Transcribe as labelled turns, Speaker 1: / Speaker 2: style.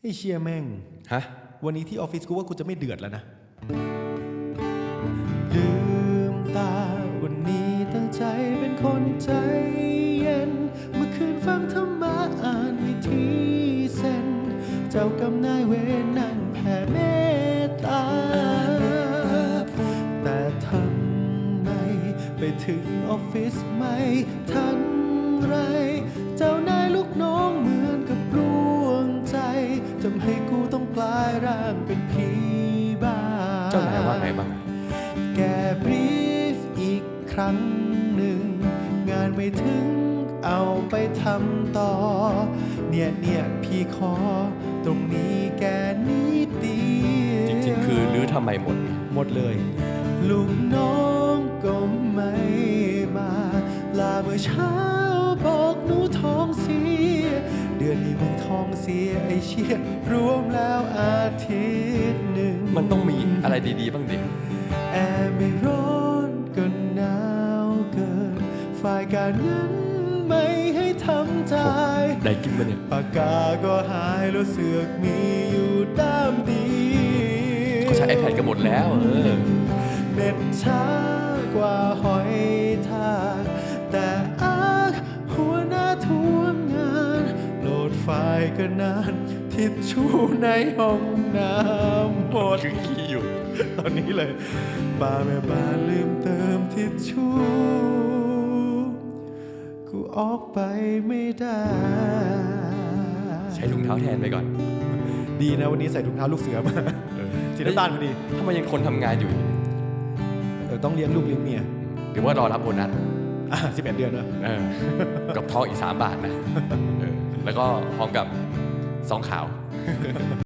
Speaker 1: ไอ้เชียแม่ง
Speaker 2: ฮะ
Speaker 1: วันนี้ที่ออฟฟิศกูว่ากูจะไม่เดือดแล้วนะลืมตาวันนี้ตั้งใจเป็นคนใจเย็นเมื่อคืนฟังธรรมะอ่านวิธีเซนเจ้ากรรมนายเวรนั่งแผ่เมตตาแต่ทำไมไปถึงออฟฟิศไม่ทันไรเจ้านายลูกน้องเหมือนกับร่วงใจทำให้กูต้องกลายร่างเป็นผีบ้า
Speaker 2: เจ้านายว่าไงบ้าง
Speaker 1: แกบรีฟอีกครั้งหนึ่งงานไม่ถึงเอาไปทำต่อเนี่ยพี่ขอตรงนี้แกนิดเดียว
Speaker 2: จริงๆคือรื้อทำไมหมด
Speaker 1: เลย ลูกน้องก็ไม่มาลาเมื่อเช้าบอกหนูท้องเสียเดือนนี้มึงท้องเสียไอเชี่ยรวมแล้วอาทิตย์หนึ่ง
Speaker 2: มันต้องมีอะไรดีๆบ้างดิ
Speaker 1: แอร์ไม่ร้อนก็หนาวเกินฝ่ายการเงินไม่ให้ทำใจ
Speaker 2: ได้กินมาเนี่ย
Speaker 1: ปากกาก็หายแล้วเสือกมีอยู่ด้ามเดียว
Speaker 2: เขาใช้ iPad กันหมดแล้ว
Speaker 1: เน็ตช้ากว่าหอยทากแต่หัวหน้าทวงงานโหลดไฟล์ก็นานทิชชู่ในห้องน้ำหมด
Speaker 2: คือขี้อยู่
Speaker 1: ตอนนี้เลยป้าแม่บ้านลืมเติมทิชชู่กูออกไปไม่ได้
Speaker 2: ใช้ถุงเท้าแทนไปก่อน
Speaker 1: ดีนะวันนี้ใส่ถุงเท้าลูกเสือมาสีน้ำตาลพอดี
Speaker 2: ทำไมยังคนทำงานอยู่
Speaker 1: ต้องเลี้ยงลูกเลี้ยงเมีย
Speaker 2: หรือว่ารอรับโบนัส
Speaker 1: 11 เดือนเนอะ
Speaker 2: กับทองอีก3 บาทนะแล้วก็พร้อมกับซองขาว